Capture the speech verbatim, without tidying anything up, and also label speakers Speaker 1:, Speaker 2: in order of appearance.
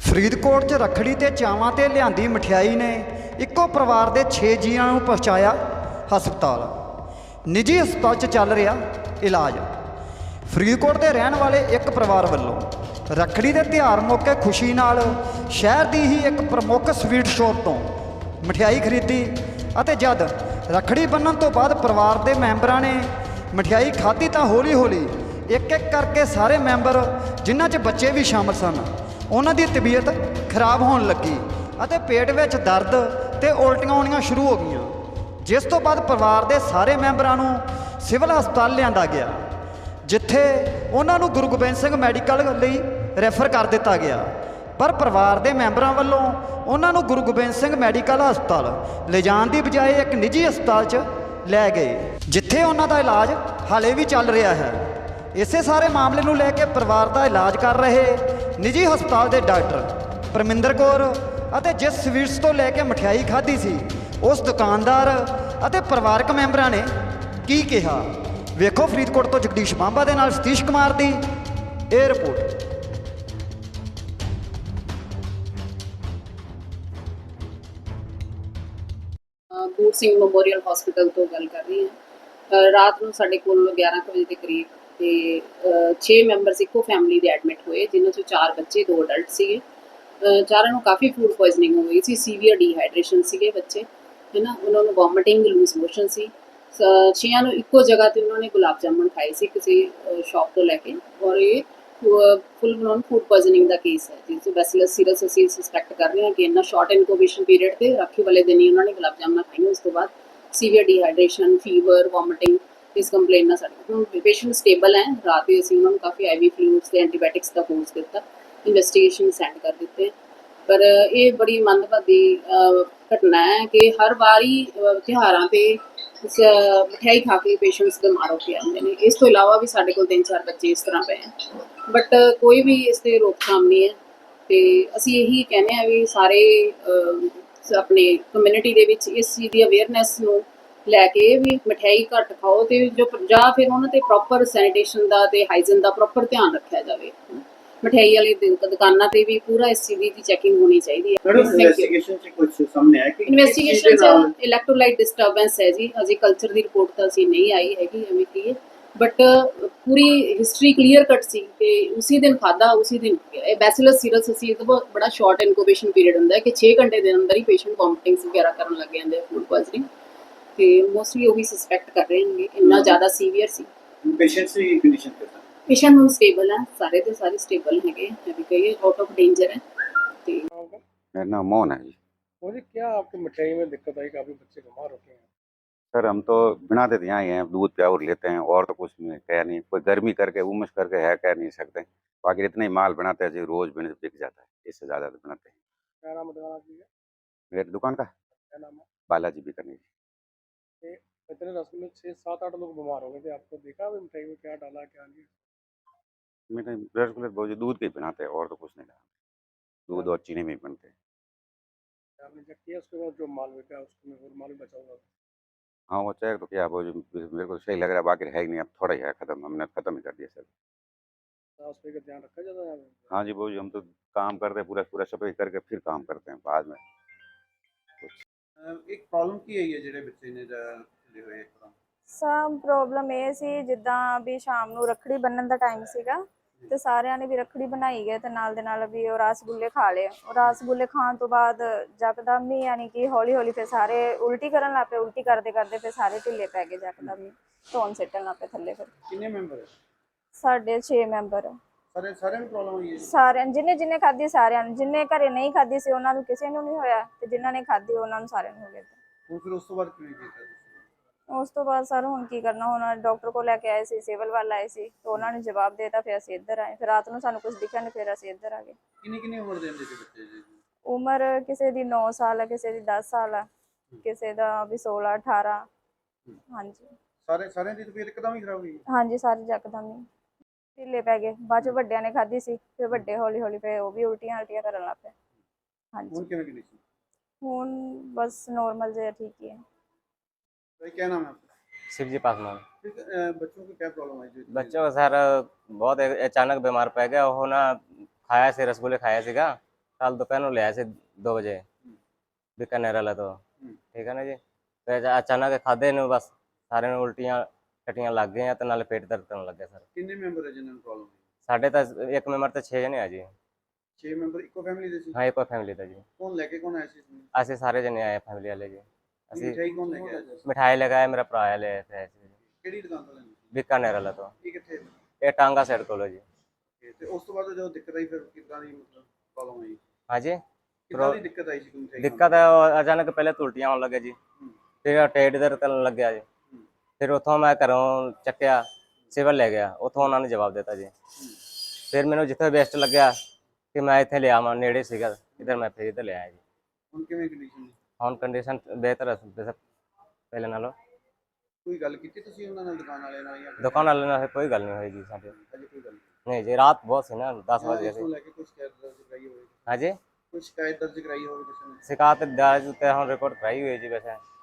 Speaker 1: ਫਰੀਦਕੋਟ 'ਚ ਰੱਖੜੀ ਤੇ ਚਾਵਾਂ ਤੇ ਲਿਆਂਦੀ ਮਠਿਆਈ ਨੇ ਇੱਕੋ ਪਰਿਵਾਰ ਦੇ ਛੇ ਜੀਆਂ ਨੂੰ ਪਹੁੰਚਾਇਆ ਹਸਪਤਾਲ। ਨਿੱਜੀ ਹਸਪਤਾਲ 'ਚ ਚੱਲ ਰਿਹਾ ਇਲਾਜ। ਫਰੀਦਕੋਟ ਦੇ ਰਹਿਣ ਵਾਲੇ ਇੱਕ ਪਰਿਵਾਰ ਵੱਲੋਂ ਰੱਖੜੀ ਦੇ ਤਿਉਹਾਰ ਮੌਕੇ ਖੁਸ਼ੀ ਨਾਲ ਸ਼ਹਿਰ ਦੀ ਹੀ ਇੱਕ ਪ੍ਰਮੁੱਖ ਸਵੀਟ ਸ਼ੌਪ ਤੋਂ ਮਠਿਆਈ ਖਰੀਦੀ ਅਤੇ ਜਦ ਰੱਖੜੀ ਬੰਨ੍ਹਣ ਤੋਂ ਬਾਅਦ ਪਰਿਵਾਰ ਦੇ ਮੈਂਬਰਾਂ ਨੇ ਮਠਿਆਈ ਖਾਧੀ ਤਾਂ ਹੌਲੀ ਹੌਲੀ ਇੱਕ ਇੱਕ ਕਰਕੇ ਸਾਰੇ ਮੈਂਬਰ, ਜਿਨ੍ਹਾਂ 'ਚ ਬੱਚੇ ਵੀ ਸ਼ਾਮਲ ਸਨ, ਉਹਨਾਂ ਦੀ ਤਬੀਅਤ ਖਰਾਬ ਹੋਣ ਲੱਗੀ ਅਤੇ ਪੇਟ ਵਿੱਚ ਦਰਦ ਤੇ ਉਲਟੀਆਂ ਆਉਣੀਆਂ ਸ਼ੁਰੂ ਹੋ ਗਈਆਂ, ਜਿਸ ਤੋਂ ਬਾਅਦ ਪਰਿਵਾਰ ਦੇ ਸਾਰੇ ਮੈਂਬਰਾਂ ਨੂੰ ਸਿਵਲ ਹਸਪਤਾਲ ਲਿਆਂਦਾ ਗਿਆ, ਜਿੱਥੇ ਉਹਨਾਂ ਨੂੰ ਗੁਰੂ ਗੋਬਿੰਦ ਸਿੰਘ ਮੈਡੀਕਲ ਲਈ ਰੈਫਰ ਕਰ ਦਿੱਤਾ ਗਿਆ। ਪਰ ਪਰਿਵਾਰ ਦੇ ਮੈਂਬਰਾਂ ਵੱਲੋਂ ਉਹਨਾਂ ਨੂੰ ਗੁਰੂ ਗੋਬਿੰਦ ਸਿੰਘ ਮੈਡੀਕਲ ਹਸਪਤਾਲ ਲਿਜਾਣ ਦੀ ਬਜਾਏ ਇੱਕ ਨਿੱਜੀ ਹਸਪਤਾਲ 'ਚ ਲੈ ਗਏ, ਜਿੱਥੇ ਉਹਨਾਂ ਦਾ ਇਲਾਜ ਹਾਲੇ ਵੀ ਚੱਲ ਰਿਹਾ ਹੈ। ਇਸੇ ਸਾਰੇ ਮਾਮਲੇ ਨੂੰ ਲੈ ਕੇ ਪਰਿਵਾਰ ਦਾ ਇਲਾਜ ਕਰ ਰਹੇ ਨਿੱਜੀ ਹਸਪਤਾਲ ਦੇ ਡਾਕਟਰ ਪਰਮਿੰਦਰ ਕੌਰ ਅਤੇ ਜਿਸ ਸਵੀਟਸ ਤੋਂ ਲੈ ਕੇ ਮਠਿਆਈ ਖਾਧੀ ਸੀ, ਉਸ ਦੁਕਾਨਦਾਰ ਅਤੇ ਪਰਿਵਾਰਕ ਮੈਂਬਰਾਂ ਨੇ ਕੀ ਕਿਹਾ, ਵੇਖੋ। ਫਰੀਦਕੋਟ ਤੋਂ ਜਗਦੀਸ਼ ਬਾਂਬਾ ਦੇ ਨਾਲ ਸਤੀਸ਼ ਕੁਮਾਰ ਦੀ ਇਹ report.
Speaker 2: Buta Singh memorial hospital ਤੋਂ ਗੱਲ ਕਰ ਰਹੀ ਹਾਂ। ਰਾਤ ਨੂੰ ਸਾਡੇ ਕੋਲ ਗਿਆਰਾਂ ਕੁ ਵਜੇ ਦੇ ਕਰੀਬ ਤੇ ਛੇ ਮੈਂਬਰਸ ਇੱਕੋ ਫੈਮਿਲੀ ਦੇ ਐਡਮਿਟ ਹੋਏ, ਜਿਨ੍ਹਾਂ 'ਚੋਂ ਚਾਰ ਬੱਚੇ, ਦੋ ਅਡਲਟ ਸੀਗੇ। ਚਾਰਾਂ ਨੂੰ ਕਾਫੀ ਫੂਡ ਪੋਇਜ਼ਨਿੰਗ ਹੋ ਗਈ ਸੀ, ਸੀਵੀਅਰ ਡੀਹਾਈਡਰੇਸ਼ਨ ਸੀਗੇ ਬੱਚੇ, ਹੈ ਨਾ। ਉਹਨਾਂ ਨੂੰ ਵੋਮਿਟਿੰਗ, ਲੂਜ਼ ਮੋਸ਼ਨ ਸੀ। ਛੇਆਂ ਨੂੰ ਇੱਕੋ ਜਗ੍ਹਾ 'ਤੇ ਉਹਨਾਂ ਨੇ ਗੁਲਾਬ ਜਾਮੁਨ ਖਾਏ ਸੀ ਕਿਸੇ ਸ਼ੌਪ ਤੋਂ ਲੈ ਕੇ, ਔਰ ਇਹ ਫੁੱਲ ਬਲੋਨ ਫੂਡ ਪੋਇਜ਼ਨਿੰਗ ਦਾ ਕੇਸ ਹੈ, ਜਿਸ ਤੋਂ ਬੈਸੀਲਸ ਸੀਰਸ ਅਸੀਂ ਸਸਪੈਕਟ ਕਰ ਰਹੇ ਹਾਂ ਕਿ ਇੰਨਾ ਸ਼ਾਰਟ ਇਨਕੂਬੇਸ਼ਨ ਪੀਰੀਅਡ 'ਤੇ ਰਾਖੀ ਵਾਲੇ ਦਿਨ ਹੀ ਉਹਨਾਂ ਨੇ ਗੁਲਾਬ ਜਾਮੁਨ ਖਾਈਆਂ। ਉਸ ਤੋਂ ਬਾਅਦ ਸੀਵੀਅਰ ਡੀਹਾਈਡਰੇਸ਼ਨ, ਫੀਵਰ, ਵੋਮਿਟਿੰਗ, ਇਸ ਕੰਪਲੇਨ ਨਾਲ ਸਾਡੇ ਹੁਣ ਪੇਸ਼ੈਂਟ ਸਟੇਬਲ ਹੈ। ਰਾਤ ਹੀ ਅਸੀਂ ਉਹਨਾਂ ਨੂੰ ਕਾਫੀ ਆਈ ਵੀ ਫਲੂਇਡਸ ਤੇ ਐਂਟੀਬਾਇਓਟਿਕਸ ਦਾ ਕੋਰਸ ਦਿੱਤਾ, ਇਨਵੈਸਟੀਗੇਸ਼ਨ ਸੈਂਡ ਕਰ ਦਿੱਤੇ। ਪਰ ਇਹ ਬੜੀ ਮੰਦਭਾਗੀ ਘਟਨਾ ਹੈ ਕਿ ਹਰ ਵਾਰੀ ਤਿਉਹਾਰਾਂ 'ਤੇ ਮਠਿਆਈ ਖਾ ਕੇ ਪੇਸ਼ੈਂਟਸ ਬਿਮਾਰ ਹੋ ਕੇ ਆਉਂਦੇ ਨੇ। ਇਸ ਤੋਂ ਇਲਾਵਾ ਵੀ ਸਾਡੇ ਕੋਲ ਤਿੰਨ ਚਾਰ ਬੱਚੇ ਇਸ ਤਰ੍ਹਾਂ ਪਏ ਹੈ, ਬਟ ਕੋਈ ਵੀ ਇਸ 'ਤੇ ਰੋਕਥਾਮ ਨਹੀਂ ਹੈ। ਅਤੇ ਅਸੀਂ ਇਹੀ ਕਹਿੰਦੇ ਹਾਂ ਵੀ ਸਾਰੇ ਆਪਣੇ ਕਮਿਊਨਿਟੀ ਦੇ ਵਿੱਚ ਇਸ ਚੀਜ਼ ਦੀ ਅਵੇਅਰਨੈਸ ਨੂੰ ਲੈ ਕੇ ਵੀ ਮਠਿਆਈ ਘੱਟ ਖਾਓ, ਅਤੇ ਜੋ ਜਾਂ ਫਿਰ ਉਹਨਾਂ 'ਤੇ ਪ੍ਰੋਪਰ ਸੈਨੀਟੇਸ਼ਨ ਦਾ ਅਤੇ ਹਾਈਜਨ ਦਾ ਪ੍ਰੋਪਰ ਧਿਆਨ ਰੱਖਿਆ ਜਾਵੇ। ਮਠਿਆਈ ਵਾਲੀ ਦੁਕਾਨਾਂ 'ਤੇ ਵੀ ਪੂਰਾ ਇਸ ਚੀਜ਼ ਦੀ ਚੈਕਿੰਗ ਹੋਣੀ ਚਾਹੀਦੀ ਹੈ।
Speaker 3: ਇਨਵੈਸਟੀਗੇਸ਼ਨ 'ਚ ਕੁਝ ਸਾਹਮਣੇ ਆਇਆ ਕਿ
Speaker 2: ਇਨਵੈਸਟੀਗੇਸ਼ਨ 'ਚ ਇਲੈਕਟ੍ਰੋਲਾਈਟ ਡਿਸਟਰਬੈਂਸ ਹੈ ਜੀ। ਅਜੇ ਕਲਚਰ ਦੀ ਰਿਪੋਰਟ ਤਾਂ ਅਸੀਂ ਨਹੀਂ ਆਈ ਹੈਗੀ, ਐਵੇਂ ਕੀ ਹੈ, but Puri history clear cut ਸੀ ਕਿ ਉਸੇ ਦਿਨ ਖਾਧਾ ਉਸੇ ਦਿਨ ਗਿਆ। ਇਹ ਬੈਸੀਲਸ ਸੀਰਸ ਅਸੀਂ ਤਾਂ ਬੜਾ ਸ਼ਾਰਟ ਇਨਕੂਬੇਸ਼ਨ ਪੀਰੀਅਡ ਹੁੰਦਾ ਹੈ ਕਿ ਛੇ ਘੰਟੇ ਦੇ ਅੰਦਰ ਹੀ ਪੇਸ਼ੈਂਟ ਵੋਮਿਟਿੰਗਸ ਵਗੈਰਾ ਕਰਨ ਲੱਗ ਜਾਂਦੇ ਆ, ਫੂਡ ਪੋਇਜ਼ਨਿੰਗ, ਅਤੇ ਮੋਸਟਲੀ ਉਹੀ ਸਸਪੈਕਟ ਕਰ ਰਹੇ ਨੇ, ਇੰਨਾ ਜ਼ਿਆਦਾ ਸੀਵੀਅਰ ਸੀ।
Speaker 3: ਪੇਸ਼ੈਂਟਸ ਦੀ ਕੰਡੀਸ਼ਨ ਕਿਸ ਤਰ੍ਹਾਂ?
Speaker 2: ਪੇਸ਼ੈਂਟ ਹੁਣ ਸਟੇਬਲ ਹੈ, ਸਾਰੇ ਦੇ ਸਾਰੇ ਸਟੇਬਲ ਹੈਗੇ, अभी कहिए आउट ऑफ डेंजर है। तो
Speaker 4: मेरा नाम मोहन है जी।
Speaker 5: मुझे क्या आपकी मिठाई में दिक्कत आई, काफ़ी बच्चे बीमार होते हैं?
Speaker 4: सर हम तो बिना देते यहाँ ही हैं, दूध प्यावर लेते हैं और तो कुछ नहीं, कह नहीं, कोई गर्मी करके उमस करके है कह नहीं सकते। बाकी इतना ही माल बनाते हैं जी, रोज बिन बिक जाता है, इससे ज़्यादा तो बनाते हैं।
Speaker 5: क्या नाम है दुकान आपकी?
Speaker 4: मेरी दुकान का
Speaker 5: क्या नाम है?
Speaker 4: बालाजी भी करनी जी।
Speaker 5: इतने रस में छः सात आठ लोग बीमार हो गए थे, आपको देखा अभी मिठाई में क्या डाला क्या नहीं?
Speaker 4: मेरे रसगुल्ले बहुत दूध के ही बनाते हैं और तो कुछ नहीं डालते, दूध और चीनी में ही बनते हैं।
Speaker 5: आपने चेक किया उसके बाद जो माल बिका उसमें और माल बचा हुआ?
Speaker 4: हाँ वो चेक तो क्या, वो जो मेरे को सही लग रहा है, बाकी है ही नहीं, अब थोड़ा ही है खत्म, हमने ख़त्म ही कर दिया सर।
Speaker 5: साफ सफाई का ध्यान रखा जाता है?
Speaker 4: हाँ जी वो जी, हम तो काम करते हैं पूरा पूरा सफाई करके फिर काम करते हैं बाद में।
Speaker 3: ਇੱਕ ਪ੍ਰੋਬਲਮ ਕੀ ਆਈ ਹੈ ਜਿਹੜੇ ਬੱਚੇ ਨੇ ਜਿਹੜੇ ਹੋਏ ਇੱਕਦਮ?
Speaker 6: ਸਭ ਪ੍ਰੋਬਲਮ ਇਹ ਸੀ, ਜਿੱਦਾਂ ਵੀ ਸ਼ਾਮ ਨੂੰ ਰੱਖੜੀ ਬੰਨਣ ਦਾ ਟਾਈਮ ਸੀਗਾ ਤੇ ਸਾਰਿਆਂ ਨੇ ਵੀ ਰੱਖੜੀ ਬਣਾਈ ਗਏ ਤੇ ਨਾਲ ਦੇ ਨਾਲ ਵੀ ਉਹ ਰਸਗੁੱਲੇ ਖਾ ਲਏ। ਉਹ ਰਸਗੁੱਲੇ ਖਾਣ ਤੋਂ ਬਾਅਦ ਯਕਦਮ ਹੀ, ਯਾਨੀ ਕਿ ਹੌਲੀ ਹੌਲੀ ਫਿਰ ਸਾਰੇ ਉਲਟੀ ਕਰਨ ਲੱਗ ਪਏ। ਉਲਟੀ ਕਰਦੇ ਕਰਦੇ ਫਿਰ ਸਾਰੇ ਢਿੱਲੇ ਪੈ ਗਏ, ਯਕਦਮ ਹੀ ਧੌਣ ਸਿੱਟਣ ਲੱਗ ਪਏ ਥੱਲੇ। ਫਿਰ
Speaker 3: ਕਿੰਨੇ ਮੈਂਬਰ?
Speaker 6: ਸਾਡੇ ਛੇ ਮੈਂਬਰ।
Speaker 3: ਸਾਰੇ ਸਾਰਿਆਂ ਨੂੰ ਪ੍ਰੋਬਲਮ ਹੋਈ ਹੈ?
Speaker 6: ਸਾਰਿਆਂ, ਜਿਹਨੇ ਜਿਹਨੇ ਖਾਧੀ ਸਾਰਿਆਂ ਨੂੰ, ਜਿਹਨੇ ਘਰੇ ਨਹੀਂ ਖਾਧੀ ਸੀ ਉਹਨਾਂ ਨੂੰ ਕਿਸੇ ਨੂੰ ਨਹੀਂ ਹੋਇਆ, ਤੇ ਜਿਨ੍ਹਾਂ ਨੇ ਖਾਧੀ ਉਹਨਾਂ ਨੂੰ ਸਾਰਿਆਂ ਨੂੰ ਹੋ ਗਿਆ।
Speaker 3: ਹੁਣ ਫਿਰ ਉਸ ਤੋਂ ਬਾਅਦ ਕਿਵੇਂ ਕੀਤਾ ਤੁਸੀਂ?
Speaker 6: ਉਸ ਤੋਂ ਬਾਅਦ ਸਰ ਹੁਣ ਕੀ ਕਰਨਾ, ਹੁਣ ਡਾਕਟਰ ਕੋਲ ਲੈ ਕੇ ਆਏ ਸੀ, ਸਿਵਲ ਵੱਲ ਆਏ ਸੀ, ਤੇ ਉਹਨਾਂ ਨੇ ਜਵਾਬ ਦੇ ਦਿੱਤਾ। ਫਿਰ ਅਸੀਂ ਇੱਧਰ ਆਏ, ਫਿਰ ਰਾਤ ਨੂੰ ਸਾਨੂੰ ਕੁਝ ਦਿਖਿਆ ਨਹੀਂ, ਫਿਰ ਅਸੀਂ ਇੱਧਰ ਆ ਗਏ।
Speaker 3: ਕਿੰਨੀ ਕਿੰਨੀ ਉਮਰ ਦੇ ਹੁੰਦੇ ਸੀ ਬੱਚੇ ਜੀ?
Speaker 6: ਉਮਰ ਕਿਸੇ ਦੀ ਨੌ ਸਾਲ ਹੈ, ਕਿਸੇ ਦੀ ਦਸ ਸਾਲ ਹੈ, ਕਿਸੇ ਦਾ ਵੀ ਸੋਲਾਂ ਅਠਾਰਾਂ। ਹਾਂਜੀ
Speaker 3: ਸਾਰੇ ਸਾਰਿਆਂ ਦੀ ਤਬੀਅਤ ਇੱਕਦਮ ਹੀ ਖਰਾਬ ਹੋਈ?
Speaker 6: ਹਾਂਜੀ ਸਾਰੇ ਯਕਦਮ ਹੀ ਢਿੱਲੇ ਪੈ ਗਏ। ਬਾਅਦ ਚ ਵੱਡਿਆਂ ਨੇ ਖਾਧੀ ਸੀ, ਫਿਰ ਵੱਡੇ ਹੌਲੀ ਹੌਲੀ ਫਿਰ ਉਹ ਵੀ ਉਲਟੀਆਂ ਉਲਟੀਆਂ ਕਰਨ ਲੱਗ ਪਏ। ਹਾਂਜੀ
Speaker 3: ਹੁਣ ਕਿਵੇਂ ਕੰਡੀਸ਼ਨ?
Speaker 6: ਹੁਣ ਬਸ नॉर्मल से ठीक ही है।
Speaker 3: भाई क्या नाम है आपका?
Speaker 7: शिवजी पासवान।
Speaker 3: ठीक है, अ, बच्चों को क्या प्रॉब्लम आई?
Speaker 7: बच्चों को सर बहुत अचानक बीमार पै गया, वो ना खाया से रसगुल्ले खाया सीगा, ਕੱਲ ਦੁਪਹਿਰ ਨੂੰ ਲਿਆ ਸੀ ਦੋ ਵਜੇ ਬੀਕਾਨੇਰ ਵਾਲਾ ਤੋਂ, ਠੀਕ ਹੈ ਨਾ ਜੀ। ਤੇ ਅਚਾ- ਅਚਾਨਕ ਖਾਦੇ ਨੂੰ ਬਸ ਸਾਰਿਆਂ ਨੂੰ ਉਲਟੀਆਂ ਟੱਟੀਆਂ ਲੱਗ ਗਈਆਂ ਤੇ ਨਾਲ ਪੇਟ ਦਰਦ ਕਰਨ ਲੱਗਿਆ ਸਰ।
Speaker 3: ਕਿੰਨੇ ਮੈਂਬਰ ਹੈ ਜਿਨ੍ਹਾਂ ਨੂੰ ਪ੍ਰੋਬਲਮ ਹੋਈ?
Speaker 7: ਸਾਡੇ ਤਾਂ ਇੱਕ ਮੈਂਬਰ ਤੇ ਛੇ ਜਣੇ ਆ ਜੀ।
Speaker 3: ਛੇ ਮੈਂਬਰ ਇੱਕੋ ਫੈਮਿਲੀ ਦੇ ਸੀ?
Speaker 7: ਹਾਂ ਇੱਕੋ ਫੈਮਿਲੀ ਦਾ ਜੀ।
Speaker 3: ਕੌਣ ਲੈ ਕੇ ਕੌਣ ਆਇਆ ਸੀ ਇਸਨੂੰ?
Speaker 7: ਅਸੀਂ ਸਾਰੇ ਜਣੇ ਆਏ ਫੈਮਿਲੀ ਵਾਲੇ ਜੀ। ਅਸੀਂ
Speaker 3: ਮਿਠਾਈ ਕੌਣ ਲੈ ਕੇ ਆਇਆ ਸੀ?
Speaker 7: ਮਿਠਾਈ ਲਗਾਇਆ, ਮੇਰਾ ਭਰਾ ਆ ਲਿਆ ਸੀ ਜੀ।
Speaker 3: ਕਿਹੜੀ ਦੁਕਾਨ ਤੋਂ ਲੈਣੀ?
Speaker 7: ਬੀਕਾਨੇਰ ਵਾਲਾ ਤੋਂ।
Speaker 3: ਇਹ ਕਿੱਥੇ ਹੈ?
Speaker 7: ਇਹ ਟਾਂਗਾ ਸਾਈਡ ਕੋਲ ਹੈ ਜੀ।
Speaker 3: Okay, ਤੇ ਉਸ ਤੋਂ ਬਾਅਦ ਜਦੋਂ ਦਿੱਕਤ ਆਈ ਫਿਰ ਕਿੱਦਾਂ ਦੀ ਮਤਲਬ ਪ੍ਰੋਬਲਮ ਆਈ?
Speaker 7: ਹਾਂਜੀ
Speaker 3: ਕਿੱਦਾਂ ਦੀ ਦਿੱਕਤ ਆਈ ਸੀ ਕੋਈ ਮਿਠਾਈ
Speaker 7: ਦਿੱਕਤ ਹੈ ਉਹ ਅਚਾਨਕ ਪਹਿਲੇ ਉਲਟੀਆਂ ਆਉਣ ਲੱਗੇ ਜੀ, ਫਿਰ ਟੇਡ ਦਰਦ ਕਰਨ ਲੱਗਿਆ ਜੀ। ਫਿਰ ਉੱਥੋਂ ਮੈਂ ਘਰੋਂ ਚੱਕਿਆ ਸਿਵਲ ਲੈ ਗਿਆ, ਉੱਥੋਂ ਉਹਨਾਂ ਨੇ ਜਵਾਬ ਦਿੱਤਾ ਜੀ। ਫਿਰ ਮੈਨੂੰ ਜਿੱਥੇ ਬੈਸਟ ਲੱਗਿਆ ਕਿ ਮੈਂ ਇੱਥੇ ਲਿਆ ਮੈਂ ਨੇੜੇ ਸੀਗਾ ਇਧਰ, ਮੈਂ ਫਿਰ ਇੱਧਰ ਲਿਆਇਆ ਜੀ।
Speaker 3: ਹੁਣ ਕਿਵੇਂ ਕੰਡੀਸ਼ਨ?
Speaker 7: ਹੁਣ ਕੰਡੀਸ਼ਨ ਬਿਹਤਰ ਹੈ ਵੈਸੇ ਪਹਿਲੇ ਨਾਲੋਂ।
Speaker 3: ਕੋਈ ਗੱਲ ਕੀਤੀ ਤੁਸੀਂ ਉਹਨਾਂ ਨਾਲ ਦੁਕਾਨ ਵਾਲਿਆਂ ਨਾਲ ਜਾਂ
Speaker 7: ਦੁਕਾਨ ਵਾਲੇ ਨਾਲ ਕੋਈ ਗੱਲ ਨਹੀਂ ਹੋਈ ਜੀ ਸਾਡੀ।
Speaker 3: ਅਜੇ ਕੋਈ ਗੱਲ ਨਹੀਂ?
Speaker 7: ਨਹੀਂ ਜੀ, ਰਾਤ ਬਹੁਤ ਸੀ ਨਾ, ਦਸ
Speaker 3: ਹਾਂ,
Speaker 7: ਵਜੇ
Speaker 3: ਇਸ ਨੂੰ
Speaker 7: ਸੀ।
Speaker 3: ਲੈ ਕੇ ਕੋਈ ਸ਼ਿਕਾਇਤ ਦਰਜ ਕਰਾਈ ਹੋਵੇ?
Speaker 7: ਹਾਂਜੀ
Speaker 3: ਕੋਈ ਸ਼ਿਕਾਇਤ ਦਰਜ ਕਰਾਈ ਹੋਵੇ ਕਿਸੇ ਨੇ?
Speaker 7: शिकायत दर्ज होते हैं, हम रिपोर्ट कराई हुई है जी वैसे।